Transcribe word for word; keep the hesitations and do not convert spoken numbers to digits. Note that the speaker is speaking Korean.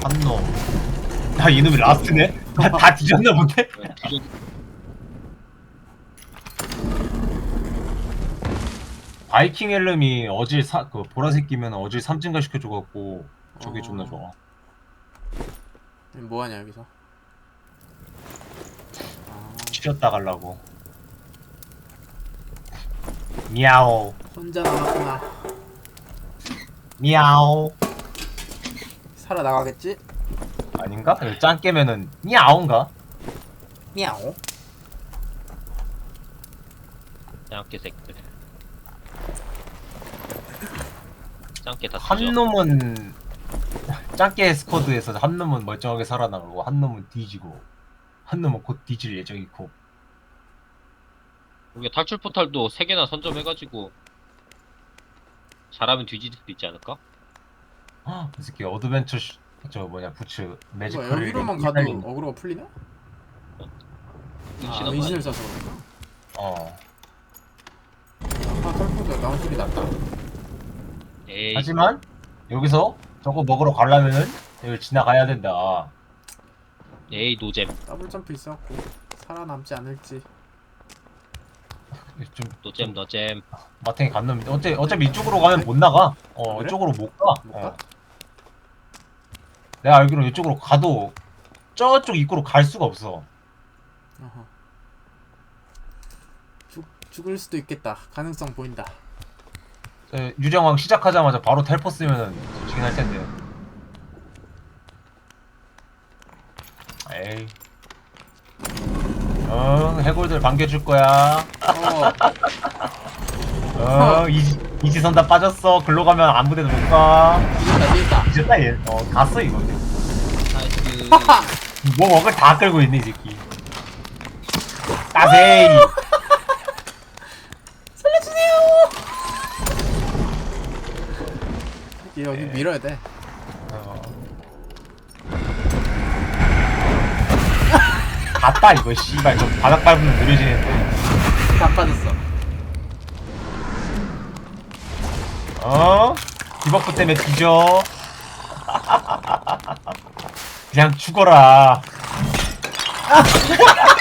한 놈. 아 이놈이 라스트네? 다 뒤졌나 본데? 뒤져. 바이킹 헬름이 어질 사, 그 보라색 끼면 어질 삼진가 시켜줘갖고 저게 어. 존나 좋아. 뭐하냐 여기서. 아, 치렸다 갈라고. 미야오 혼자 남았구나. 미야오. 살아나가겠지? 아닌가? 짱 깨면은 미야오인가? 미야오. 짱깨 새끼들. 짱깨 다 한 뒤져. 놈은 짱깨 스쿼드에서 한 놈은 멀쩡하게 살아나가고 한 놈은 뒤지고 한 놈은 곧 뒤질 예정이고. 우리가 탈출 포탈도 세 개나 선점해가지고 잘하면 뒤질 수도 있지 않을까? 헉, 이 새끼 어드벤처 슈, 저 뭐냐 부츠 이거 매지컬 여기로만 가도 어그로가 풀리나? 아, 은신한 거 은신을 아니야? 써서 그런가? 어. 아까 털포도 나온 소리 났다. 에이. 하지만 여기서 저거 먹으러 가려면은 여기 지나가야 된다. 에이 노잼. 더블 점프 있어갖고 살아남지 않을지. 좀 노잼 노잼. 마탱이 간 놈인데 어차피 어차피 이쪽으로 가면 못 나가. 어 그래? 이쪽으로 못 가. 못 어. 가? 내가 알기로 이쪽으로 가도 저쪽 입구로 갈 수가 없어. 어허. 죽 죽을 수도 있겠다. 가능성 보인다. 에, 유령왕 시작하자마자 바로 텔포 쓰면은 지긴 할 텐데. 에이. 어, 해골들 반겨줄 거야. 어, 어, 이지, 이지선 다 빠졌어. 글로 가면 아무 데도 못 가. 이겼다, 이겼다. 이제 얘. 어, 갔어, 이거. 나이스. 뭐 먹을 다 끌고 있네, 이 새끼. 따세이. 여기 밀어야 돼. 어. 갔다, 이거, 씨발. 저 바닥 밟으면 느려지는데. 다 빠졌어. 어? 디버프 때문에 뒤져. 그냥 죽어라.